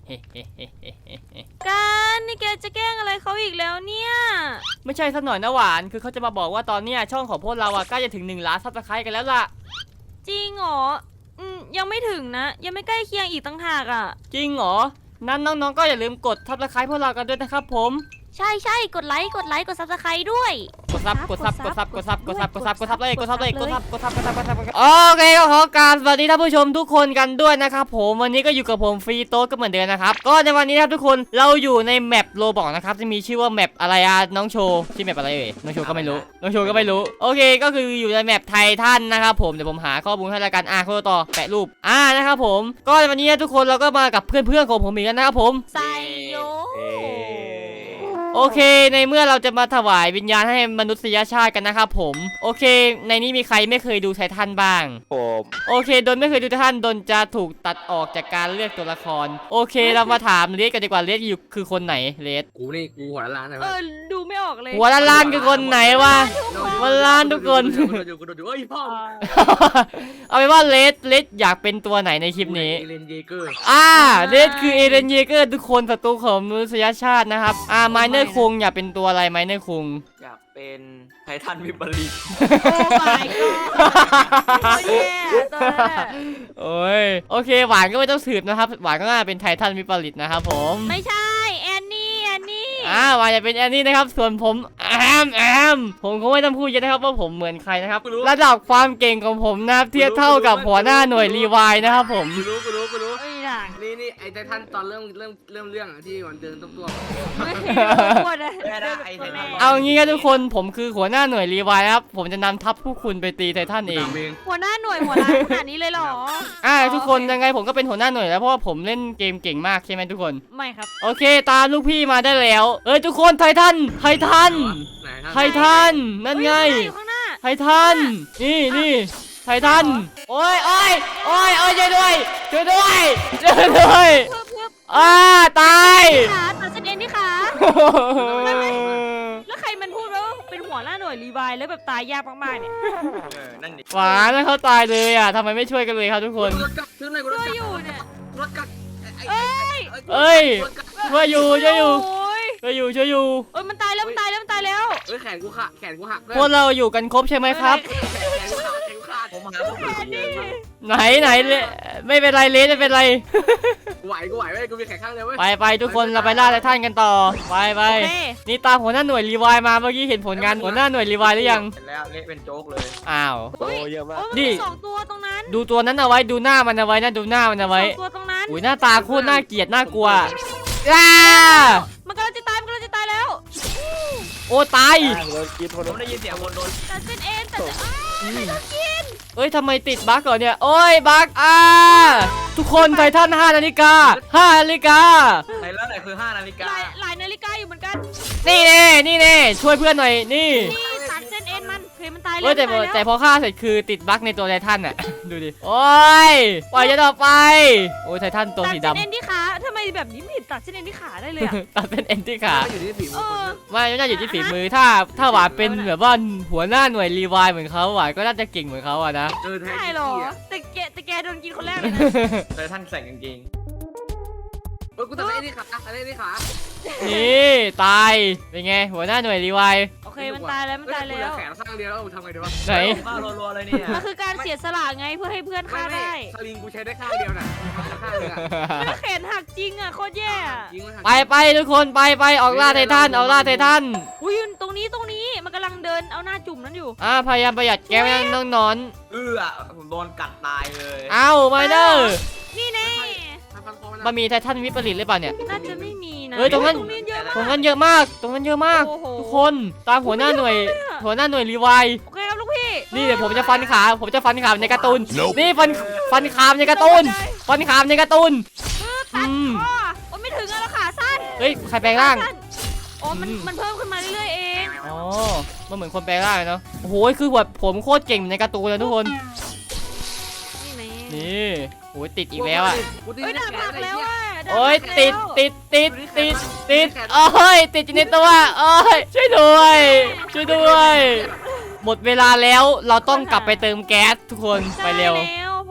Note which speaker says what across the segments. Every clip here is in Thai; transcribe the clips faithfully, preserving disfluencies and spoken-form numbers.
Speaker 1: กันนี่แกจะแกล้งอะไรเขาอีกแล้วเนี่ย
Speaker 2: ไม่ใช่สักหน่อยนะหวานคือเขาจะมาบอกว่าตอนเนี้ยช่องของพวกเราอะใกล้จะถึงหนึ่งล้านซับสไครต์กันแล้วล่ะ
Speaker 1: จริงเหรออืมยังไม่ถึงนะยังไม่ใกล้เคียงอีกตั้งหากอ่ะ
Speaker 2: จริงเหรอนั้นน้องๆก็อย่าลืมกดซับสไครต์พวกเรากันด้วยนะครับผม
Speaker 1: ใช่ใช่กดไลค์กดไลค์กดซับสไครต์ด้วย
Speaker 2: กดซับกดซับกดซับกดซับกดซับกดซับกดซับเลยกดซับเลยกดซับกดซับกดซับกดซับโอเคก็ขอกราบสวัสดีท่านผู้ชมทุกคนกันด้วยนะครับผมวันนี้ก็อยู่กับผมฟรีโต้ก็เหมือนเดิมนะครับก็ในวันนี้ครับทุกคนเราอยู่ในแมปโรบอกนะครับจะมีชื่อว่าแมปอะไรอะน้องโชว์ชื่อแมปอะไรเอ่ยน้องโชว์ก็ไม่รู้น้องโชว์ก็ไม่รู้โอเคก็คืออยู่ในแมปไททันนะครับผมเดี๋ยวผมหาข้อมูลให้ละกันอ่ะคนต่อแปะรูปอ่านะครับผมก็ในวันนี้ทุกคนเราก็มากับเพื่อนๆของผมอีกแล้วนะครับผม
Speaker 1: ไซโย
Speaker 2: โอเคในเมื่อเราจะมาถวายวิญญาณให้มนุษยชาติกันนะครับผมโอเคในนี้มีใครไม่เคยดูไททันบ้าง
Speaker 3: ผม
Speaker 2: โอเคโดนไม่เคยดูไททันโดนจะถูกตัดออกจากการเลือกตัวละครโอเคเรามาถามเลสกันดีกว่าเลสอยู่คือคนไหนเลส
Speaker 3: กูนี่กูหัวล้านนะ
Speaker 1: เออดูไม่ออกเลย
Speaker 2: หัวล้านคือคนไหนวะหัวล้านทุกคนเอาเป็นว่าเลสเลสอยากเป็นตัวไหนในคลิปนี้
Speaker 3: เอเลนเยเกอร์
Speaker 2: อ่าเลสคือเอเลนเยเกอร์ทุกคนศัตรูของมนุษยชาตินะครับอ่าไมเนอร์คุงอยากเป็นตัวอะไรไมเนอร์คุง
Speaker 3: อยากเป็นไททันวิปริต
Speaker 1: โอ้ my god โอ้ยตัวนั้น
Speaker 2: โอ้ยโอเคหวานก็ไม่ต้องสืบนะครับหวานก็น่าเป็นไททันวิปริตนะครับผม
Speaker 1: ไม่ใช่แอนนี่แอนนี่
Speaker 2: อ่าหวานจะเป็นแอนนี่นะครับส่วนผมแอมแอมผมคงไม่ต้องพูดเยอะนะครับว่าผมเหมือนใครนะครับระดับความเก่งของผมนะเทียบเท่ากับหัวหน้าหน่วยรีไวน์นะครับผม
Speaker 3: กูรู้กูรู้กูรู้
Speaker 1: นี่
Speaker 3: นี่ไอไททันตอนเริ่มเริ่มเริ่มเรื่องที่มันเดินตัวตัว
Speaker 2: เอางี้ครับทุกคนผมคือหัวหน้าหน่วยรีไวน์ครับผมจะนำทัพผู้คุณไปตีไททันเอง
Speaker 1: หัวหน้าหน่วยหัวล้านขนาดนี้เลยหรอ
Speaker 2: อ่าทุกคนยังไงผมก็เป็นหัวหน้าหน่วยแล้วเพราะว่าผมเล่นเกมเก่งมากใช่ไหมทุกคน
Speaker 1: ไม่ครับ
Speaker 2: โอเคตามลูกพี่มาได้แล้วเอ้ยทุกคนไททันไททันไททันนั่นไงไททันนี่นี่ไททันโอ้ยโอ้ยโอ้ยโอ้ยช่วยด้วยช่วยด้วยช่วยด้วยอ่าตาย
Speaker 1: ขาตัดเส้นเอ็นที่ขาแล้วใครมันพูดว่าเป็นหัวหน้าหน่วยรีไวน์แล้วแบบตายยากมากๆเนี่ย
Speaker 2: หวานแล้วเขาตายเลยอ่ะทำไมไม่ช่วยกันเลยครับทุกคน
Speaker 1: ช่วยอยู่เนี่ย
Speaker 3: เอ้
Speaker 2: ยเอ้ยช่วยอยู่ช่วยอยู่ช่วยอยู่ช่วยอยู่
Speaker 1: เอ้ยมันตายแล้วมันตายแล้วมันตายแล้ว
Speaker 3: เอ้ยแขนกูขาดแขนกูหัก
Speaker 2: พวกเราอยู่กันครบใช่ไหมครับไหนไหนเลยไม่เป็นไรเลสไม่เป็นไร
Speaker 3: กูไหวกูไหวเว้ยกูมีแขนข้างเดียวเว้ย
Speaker 2: ไปไปทุกคนเราไปล่าไททันกันต่อไปไปนี่ตามหัวหน้าหน่วยรีไวน์มาเมื่อกี้เห็นผลงานหัวหน้าหน่วยรีไวน์หรือยัง
Speaker 3: แล้วเละเป็นโจ๊กเลย
Speaker 2: อ้าว
Speaker 3: โอ้เยอะมาก
Speaker 1: นี่สองตัวตรงนั้น
Speaker 2: ดูตัวนั้นเอาไว้ดูหน้ามันเอาไว้นะดูหน้ามันเอาไว้
Speaker 1: ตัวตรงนั้น
Speaker 2: อุ้ยหน้าตาโคตรน่าเกลียดน่ากลัวอ้า
Speaker 1: มันกำลังจะตายมันกำลังจะตายแล้ว
Speaker 2: โอ้ตาย
Speaker 3: ผมได้ยินเสียงคนโดน
Speaker 1: ตัดเส้นเอ็นตัดไม่ต้องกิน
Speaker 2: เอ้ยทำไมติดบั๊กเหรอเนี่ยโอ้ยบั๊กอ่าทุกคนไททันห้านาฬิกาห้านาฬิกา
Speaker 3: ไหนแล้วไหนคือห้านาฬิกา
Speaker 1: หลายนาฬิกาอยู่เหมือนกัน
Speaker 2: นี่แน่นี่แน่ช่วยเพื่อนหน่อยนี่
Speaker 1: นี่ตัดเส้นเอ็นมันเพลมันตาย
Speaker 2: แล้วแต่แต่พอฆ่าเสร็จคือติดบั๊กในตัวไททันอ่ะดูดิโอ้ยปล่อยจะต่อไปโอ้ยไททันตัวสีดำ
Speaker 1: ตัดเส้นเอ็นที่ขาทำไมแบบนี้ไม่เห็นตัดเส้นเอ็นที่ขาได้เลย
Speaker 2: ตัดเส้นเอ็นที่ขา
Speaker 3: อยู่ที่ฝีมือ
Speaker 2: ไม่ไม่น่าอยู่ที่ฝีมือถ้าถ้าหวานเป็นแบบว่าหัวหน้าหน่วยรีไวน์เหมือนเขาหวานก็น่าจะเก่งเหมือนเขาอะนะ
Speaker 1: ใช่หรอแต่แกแต่แกโดนกินคนแรกเลยนะ
Speaker 3: แต่ท่านใส่กางเกงเออกูตัดไอ้นี่ขาตัดไอ้นี่ขา
Speaker 2: นี่ตายเป็นไงหัวหน้าหน่วยรีไวน์
Speaker 1: โอเคมันตายแล้วมันตายแล้ว
Speaker 3: แขนข้างเดียวแล้วทำไงดีวะ
Speaker 2: ไหน
Speaker 3: บ้ารัวๆเลยเนี่ย
Speaker 1: มันคือการเสียสละไงเพื่อให้เพื่อนฆ่าได้
Speaker 3: สลิงกูใช้ได้ข้างเดียวน่ะข้างนึงอ่ะ
Speaker 1: แขนหักจริงอ่ะโคตรแย่
Speaker 2: ไปไปทุกคนไปไปออกล่าไททันออกล่าไททัน
Speaker 1: อุ้ยตรงนี้ตรงนี้มันกำลังเดินเอาหน้าจุ่มนั้นอยู่
Speaker 2: อ่าพยายามประหยัดแก้วน้องนอน
Speaker 3: เออผมโดนกัดตายเลย
Speaker 2: เอ้าไมเนอร์
Speaker 1: นี่แน่
Speaker 2: มันมีไททันวิปริตหรือเปล่าเนี่ย
Speaker 1: น่าจะไม่มีนะ
Speaker 2: เฮ้ยตรงนั้นตรงนั้นเยอะมากตรงนั้นเยอะมากทุกคนตามหัวหน้าหน่วยหัวหน้าหน่วยรีไวน์
Speaker 1: โอเคครับลูกพี่
Speaker 2: นี่เดี๋ยวผมจะฟันขาผมจะฟันขาในการ์ตูนนี่ฟันฟันขามในการ์ตูนฟันขามในการ์ตูน
Speaker 1: อืมโอ้ไม่ถึงแล้วขาสั้น
Speaker 2: เฮ้ยใครแปลงร่าง
Speaker 1: โอ้มันมันเพิ่มขึ้นมาเรื่อยๆเอง
Speaker 2: อ๋อมันเหมือนคนแปลงร่างเนาะโอ้โหคือแบบผมโคตรเก่งในการ์ตูนเลยทุกคนนี่โอ้ยติดอีกแล้วอ่ะ
Speaker 1: โอ้ยด่าพักแล้วอ่ะ
Speaker 2: โอ้ยติดติดติดติดติดโอ้ยติดอยู่ในตัวโอ้ยช่วยด้วยช่วยด้วยหมดเวลาแล้วเราต้องกลับไปเติมแก๊สทุกคนไปเร็ว
Speaker 1: พอแก๊สหมด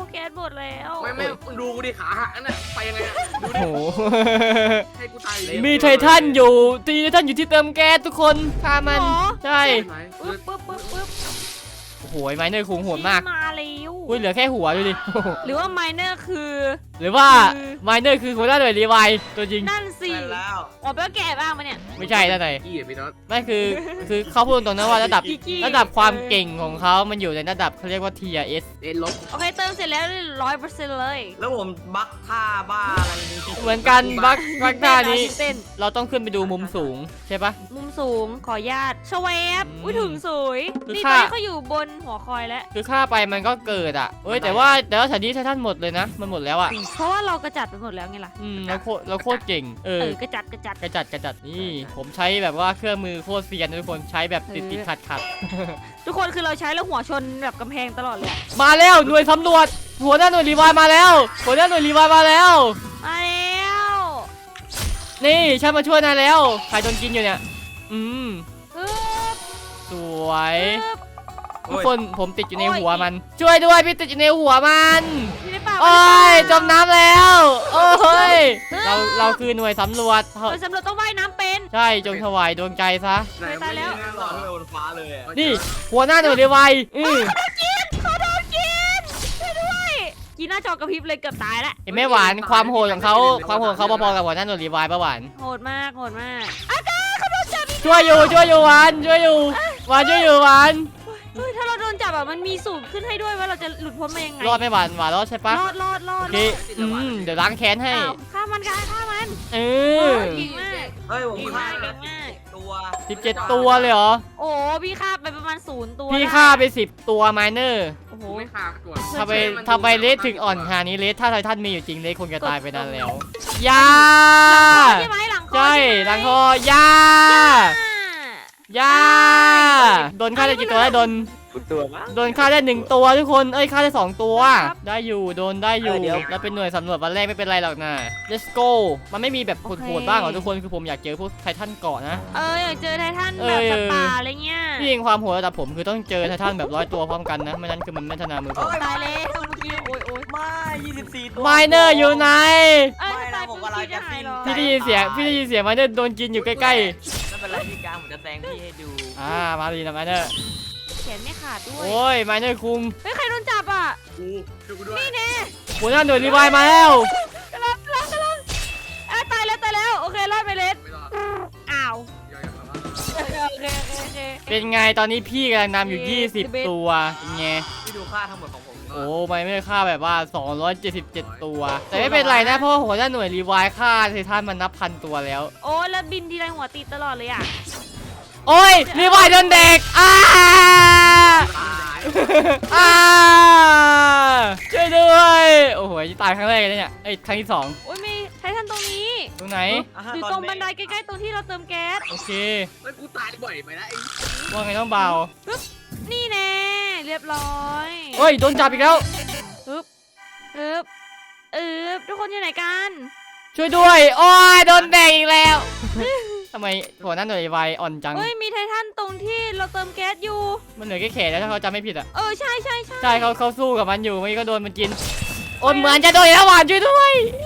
Speaker 1: มดแล้ว
Speaker 3: ไม่ไม่ดูกูดิขาหักนั่นน่ะไปยังไงอะดูดิ
Speaker 2: โอ้โห
Speaker 3: ให้กูตาย
Speaker 2: มีไททันอยู่ตีไททันอยู่ที่เติมแก๊สทุกคนฆ่ามันใช่
Speaker 1: ปึ๊บปึ๊บปึ๊บปึ๊บ
Speaker 2: โอ้โหไมเนอร์คุงโหดมาก
Speaker 1: มาแล้ว
Speaker 2: อุ้ยเหลือแค่หัวดูดิ
Speaker 1: หรือว่าไมเนอร์คือ
Speaker 2: หรือว่าไมเนอร์คือหัวหน้าหน่วยรีไวล์ตัวจริง
Speaker 1: นั่นสิ
Speaker 3: ไปแล้ว
Speaker 1: อ๋อแปลว่าแก่บ้างปะเนี่ย
Speaker 2: ไม่ใช่ด้านไหน
Speaker 3: กี้อ่ะพี่น็อต
Speaker 2: ไม่คือคือเขาพูดตรงๆนะว่าระดับ
Speaker 1: กิ๊กๆ
Speaker 2: ระดับความเก่งของเขามันอยู่ในระดับเขาเรียกว่า ที อาร์ เอส
Speaker 3: เอ็นลบ
Speaker 1: โอเคเติมเสร็จแล้วร้อยเปอร์เซ็นต์เลย
Speaker 4: แล้วผมบักท่าบ้าอะไรนี่
Speaker 2: เหมือนกันบักบักท่านี้
Speaker 1: เต้น
Speaker 2: เราต้องขึ้นไปดูมุมสูงใช่ปะ
Speaker 1: มุมสูงขอญาตชเวฟ
Speaker 2: อืม
Speaker 1: อุ้ยถึงสวย
Speaker 2: คือ
Speaker 1: นี่ต
Speaker 2: ค่า
Speaker 1: อนนี้เขาอยู่บนหัวคอยแล้ว
Speaker 2: คือฆ่าไปมันก็เกิดอ่ะเอ้ยแต่ว่าแต่ว่าแถวนี้ไททันหมดเลยนะ มันหมดแล้วอ่ะ
Speaker 1: เพราะว่าเรากระจัดไปหมดแล้วไงล่ะ
Speaker 2: อืมเราโคตรเราโคตรเก่งเอ
Speaker 1: เอ
Speaker 2: อ
Speaker 1: อกระจัดกระจัด
Speaker 2: กระจัดกระจัดนี่ผมใช้แบบว่าเครื่องมือโคตรเซียนนะทุกคนใช้แบบติดติดขัดขัด
Speaker 1: ทุกคนคือเราใช้แล้วหัวชนแบบกำแพงตลอดเลยอะ
Speaker 2: มาแล้วหน่วยสำรวจหัวหน้าหน่วยรีไวล์มาแล้วหัวหน้าหน่วยรีไวล์มาแล้ว
Speaker 1: มาแล้ว
Speaker 2: นี่ฉันมาช่วยนายแล้วใครโดนกินอยู่เนี่ยอืม
Speaker 1: ปึ๊บ
Speaker 2: สวย
Speaker 1: ปึ๊บ
Speaker 2: ทุกคนผมติดอยู่ในหัวมัน ช่วยด้วยพี่ติดอยู่ในหัวมัน
Speaker 1: อยู่ในป่า
Speaker 2: โอ้ยจมน้ำแล้วโอ้ยเราเราคือหน่วยสำรวจ
Speaker 1: โดยสำรวจต้องว่ายน้ำเป็น
Speaker 2: ใช่จงถวายดวงใจซะ
Speaker 3: ไหน
Speaker 1: ตายแล้ว
Speaker 3: ไม่
Speaker 4: หล
Speaker 3: หร
Speaker 4: อ
Speaker 3: อ
Speaker 4: ดไปบนฟ้าเลยอะ
Speaker 2: นี่หัวหน้าหน่วยรีไวล์อือ
Speaker 1: เขาโดนกินช่วยด้วยกินหน้าจอกระพริบเลยเกือบตายแล้ว
Speaker 2: เห็นไหมหวานความโหดของเขาความโหดของเขาพอๆกับหัวหน้าหน่วยรีไวล์ปะหวาน
Speaker 1: โหดมากโหดมากอาจารย์เขาโดนจับอีก
Speaker 2: ช่วยอยู่ช่วยอยู่หวานช่วยอยู่หวานช่วยอยู่หวาน
Speaker 1: เฮ้ยถ้าเราโดนจับอะมันมีสูตรขึ้นให้ด้วยว่าเราจะหลุดพ้นมายังไง
Speaker 2: รอดไหม่หวานหวานรอดใช่ปะ
Speaker 1: รอดรอดรอ
Speaker 2: โอ
Speaker 1: ด
Speaker 2: เคอืมเดี๋ยวล้างแค้นให้
Speaker 1: อ้าวฆ่ามันกันฆ่ามัน
Speaker 2: เอ
Speaker 1: โอ้
Speaker 2: อ
Speaker 1: ยเก่งมาก
Speaker 4: เฮ้ยผม
Speaker 1: เก่ง
Speaker 4: ฆ่าม
Speaker 1: าก
Speaker 4: แล้
Speaker 1: เก่
Speaker 4: ว
Speaker 1: งมาก
Speaker 4: ตัว
Speaker 2: สิบเจ็ดตัวเลยเหรอ
Speaker 1: โอ้พี่ฆ่าไปประมาณศูนย์ตัว
Speaker 2: พี่
Speaker 1: ด้
Speaker 2: ฆ่าไปสิบตัวไมเนอร์
Speaker 1: โอ้โห
Speaker 3: กูไม่ฆ่าก่อน
Speaker 2: ทำไมทำไมเลสถึงอ่อนขนาดนี้เลสถ้าไททันมีอยู่จริงเลสคงจะตายไปนานแล้วยา
Speaker 1: ใช่ไหมหลังคอ
Speaker 2: ใช่หลังคอยา ยาโดนฆ่าได้กี่ตัวได้โดน
Speaker 4: ตัวมั้ง
Speaker 2: โดนฆ่าได้หนึ่งตัวทุกคนเอ้ยฆ่าได้สองตัวได้อยู่โดนได้อยู่แล้วเป็นหน่วยสำรวจวันแรกไม่เป็นไรหรอกนะ let's go มันไม่มีแบบโหดๆบ้างเหรอทุกคนคือผมอยากเจอพวกไททันเกาะนะ
Speaker 1: เอออยากเจอไททัน
Speaker 2: เอ
Speaker 1: แบ
Speaker 2: อ
Speaker 1: บสัตว์ป่าอะไรเงี้ย
Speaker 2: ที่จริงความโหดระดับผมคือต้องเจอไททันแบบร้อยตัวพร้อมกันนะไม่นั้นคือมันไม่ถนัดมือผม
Speaker 1: ตายแล้วเมื่อกี้โอ้ยโอ้ย
Speaker 4: ไม่ยี่สิบสี่ตัว
Speaker 2: ไมเนอร์อยู่ไหน
Speaker 1: เอ้ย
Speaker 4: ไม่
Speaker 1: ตา
Speaker 4: นะ
Speaker 1: ย
Speaker 4: ผม
Speaker 1: ปุ๊บ
Speaker 4: กำลัง
Speaker 1: พี่จะ
Speaker 4: จะ
Speaker 1: หาย
Speaker 4: สิ้น
Speaker 1: เหรอ
Speaker 2: พี่ได้ยินเสียงพี่ได้ยินเสียงไมเนอร์โดนกินอยู่ใกล้
Speaker 4: ไม่เป็นไรพี่กลางผมจะแซงพี่ให้ดู
Speaker 2: ๆอ่ามาดีนะไมเนอร์
Speaker 1: แขนไม่ขาดด้วย
Speaker 2: โอ้ยไมเนอร์คุง
Speaker 1: เฮ้ยใครโดนจับอ่ะ
Speaker 3: กูช่วยกูด้วย
Speaker 1: นี่แน่
Speaker 2: หัวหน้าหน่วยรีไวล์มาแล้ว
Speaker 1: กำลังกำลังกำลังอ่ะตายแล้วตายแล้วโอเครอดไปเลส
Speaker 3: ไม่รอด
Speaker 1: อ้าว
Speaker 3: ย่อยๆแบบว่า
Speaker 1: โอเคโอเคโอเคโอเค
Speaker 2: เป็นไงตอนนี้พี่กำลังนำอยู่ ยี่สิบ ตัวเป็นไง
Speaker 4: พี่ดูค่าทั้งหมดของผม
Speaker 2: โอ้ไม่ไม่ฆ่าแบบว่า สองร้อยเจ็ดสิบเจ็ด ตัว แต่ไม่เป็นไรนะเพราะว่าหัวหน้าหน่วยรีไวล์ฆ่าไททันมันนับพันตัวแล้ว
Speaker 1: โอ้แล้วบินทีไรหัวติดตลอดเลยอ่ะ
Speaker 2: โอ้ยรีไวล์โดนเด็กอ้า
Speaker 3: ตาย
Speaker 2: อ้าช่วยด้วยโอ้โหตายครั้งแรกเลยเนี่ยเอ้ยครั้งที่สอง
Speaker 1: โอ้ยมีไททันตรงนี้
Speaker 2: ตรงไหน
Speaker 1: อยู่ตรงบันไดใกล้ๆตรงที่เราเติมแก๊ส
Speaker 2: โอเค
Speaker 3: แล้วกูตายบ่อยไปแล้วไอ้
Speaker 2: ว่าไงต้องเบา
Speaker 1: นี่แน่เรียบร้อย
Speaker 2: เฮ้ยโดนจับอีกแล้ว
Speaker 1: อึ๊บอึ๊บอึ๊บทุกคนอยู่ไหนกัน
Speaker 2: ช่วยด้วยโอ้ยโดนแดงอีกแล้วทำไมหัวหน้าหน่วยรีไวล์อ่อนจัง
Speaker 1: เฮ้ยมีไททันตรงที่เราเติมแก๊สอยู่
Speaker 2: มันเหลือแค่แขนแล้วถ้าเขาจำไม่ผิดอ่ะ
Speaker 1: เออใช่ใช่ใช่
Speaker 2: ใช่เขาเขาสู้กับมันอยู่ไม่ก็โดนมันกินโอนเหมือนจะโดนแล้วหวานช่วยด้วย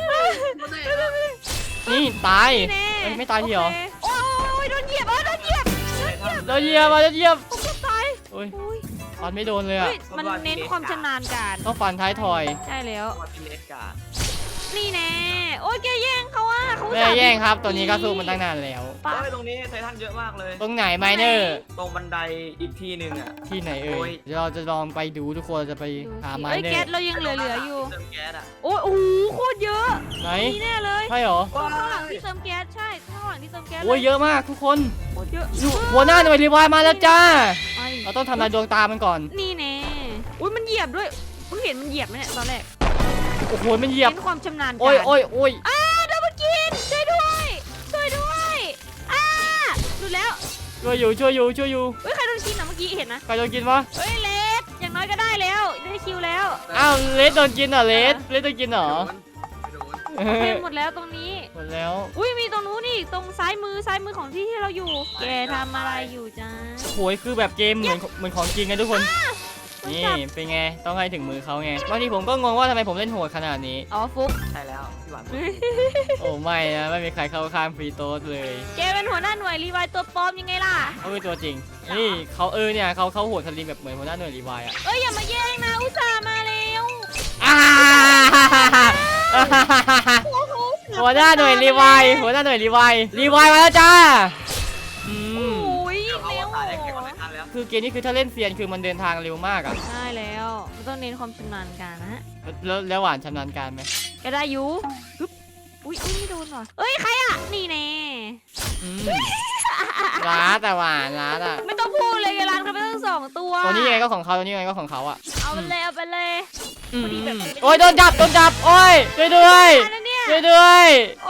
Speaker 2: นี่ตาย
Speaker 1: นี่แน่
Speaker 2: เอ้ยไม่ตายทีเหรอ
Speaker 1: โอเคโอ้ยโดนเหยียบเออโดนเหยียบ
Speaker 2: เราเหยียบมาเราเหยียบ
Speaker 1: ผมจะตาย
Speaker 2: โอ้ย
Speaker 1: โอ้ย
Speaker 2: ฟันไม่โดนเลยอ่ะ
Speaker 1: เฮ้ยมันเน้นความชำนาญการ
Speaker 2: ต้องฟันท้ายทอย
Speaker 1: ใช่แล้ว
Speaker 4: ว่าพี่เลสกา
Speaker 1: นี่แน่โอ้ยแกแย่งเขาอ่ะเขา
Speaker 2: ไม่ได้แย่งครับตัวนี้ก็สู้มันตั้งนานแล้ว
Speaker 1: ปะ
Speaker 4: เฮ้ยตรงนี้ไททันเยอะมากเลย
Speaker 2: ตรงไหนไมเนอร์
Speaker 4: ตรงบันไดอีกที่หนึ่งอ่ะ
Speaker 2: ที่ไหนเอ่
Speaker 4: โอ้
Speaker 2: ย
Speaker 4: ย
Speaker 2: เดี๋ยวเราจะลองไปดูทุกคนจะไป
Speaker 1: ดู
Speaker 2: หา
Speaker 1: สิ
Speaker 2: ไม
Speaker 1: เอ้ย
Speaker 2: เนอ
Speaker 1: แก๊ส
Speaker 2: ร์
Speaker 1: เรายังเหลือๆอยู่
Speaker 4: เติมแก๊สอ่ะ
Speaker 1: โอ้ยโอ้โหโคตรเยอะ
Speaker 2: ไหน
Speaker 1: นี่แน่เลย
Speaker 2: ใช่เหรอ
Speaker 1: ข้างหลังที่เติมแก๊สใช่ข้างหลังที่เติมแก๊ส
Speaker 2: โอ้ยเยอะมากทุกคน
Speaker 1: โคตรเยอะ
Speaker 2: อยู่หัวหน้าหน่วยรีไวล์มาแล้วจ้า
Speaker 1: ไป
Speaker 2: เราต้องทำลายดวงตามันก่อน
Speaker 1: นี่แน่อุ้ยมันเหยียบด้วยเพิ่งเห็นมันเหยียบไหมเนี่ยตอนแรก
Speaker 2: โอ้โหมันเหยียบ
Speaker 1: เน้นความชำนาญการ
Speaker 2: โอ้ยโอ้ยโอ้ย
Speaker 1: อ้าดับเบิลกินช่วยด้วยช่วยด้วยอ้าหลุดแล้ว
Speaker 2: ช่วยอยู่ช่วยอยู่ช่วยอยู่
Speaker 1: เฮ้ยใครโดนกินอ่ะเมื่อกี้เห็นนะ
Speaker 2: ใครโดนกินวะ
Speaker 1: เฮ้ยเลสอย่างน้อยก็ได้แล้วได้คิวแล้ว
Speaker 2: อ้าวเลสโดนกินเหรอเลสเลสโดนกินเหรอ
Speaker 3: โดน
Speaker 2: เอ
Speaker 1: เต็
Speaker 2: อ
Speaker 1: มหมดแล้วตรงนี้
Speaker 2: หมดแล้ว
Speaker 1: อุ้ยมีตรงนู้นนี่ตรงซ้ายมือซ้ายมือของที่ที่เราอยู่ แกทำอะไรอยู่จ้า
Speaker 2: โอ้ยคือแบบเกมเหมือนเหมือนของจริงไงทุกคนนี่เป็นไงต้องให้ถึงมือเขาไงบางทีผมก็งงว่าทำไมผมเล่นโหดขนาดนี้
Speaker 1: อ๋อฟุก
Speaker 4: ใช่แล้วพี่หวาน
Speaker 2: โอ้ไม่นะไม่มีใครเข้าข้างฟรีโต้เลย
Speaker 1: แกเป็นหัวหน้าหน่วยรีไวล์ตัวปลอมยังไงล่ะ
Speaker 2: เขาเป็นตัวจริงนี่เขาเออเนี่ยเขาเขาโหดสลิมแบบเหมือนหัวหน้าหน่วยรีไวล์อะ
Speaker 1: เอ้ยอย่ามาแย่งนะอุตส่าห์มาแล้ว
Speaker 2: อ่าหัวหน้าหน่วยรีไวล์หัวหน้าหน่วยรีไวล์รีไวล์มาแล้วจ้าอื
Speaker 1: โอ
Speaker 2: ม้
Speaker 1: ย
Speaker 4: เอา
Speaker 1: เร็ว
Speaker 4: ตายได้แข่งกันในทันแล้ว
Speaker 2: คือเกมนี้คือถ้าเล่นเซียนคือมันเดินทางเร็วมากอะ
Speaker 1: ใช่แล้วมันต้องเน้นความชำนาญการนะฮะ
Speaker 2: แล้วแล้วหวานชำนาญการไหม
Speaker 1: ก็ได้อยูปึ๊บอุ้ยอุ้ยไม่โดนว่ะเอ้ยใครอ่ะนี่แน่
Speaker 2: อืมร้าแต่หวานร้าแต่
Speaker 1: ไม่ต้องพูดเลยไงร้านเขาไม่ต้องสองตัว
Speaker 2: ตัวนี้ยังไงก็ของเขาตัวนี้ยังไงก็ของเขาอะ
Speaker 1: เอาไปเลยเอาไปเลย
Speaker 2: อืม
Speaker 1: พอดีแบบ
Speaker 2: โอ้ยโดนจับโดนจับโอ้ยช่วยด้วย
Speaker 1: อันนั้นเนี่ย
Speaker 2: ช่วยด้วย
Speaker 1: โอ้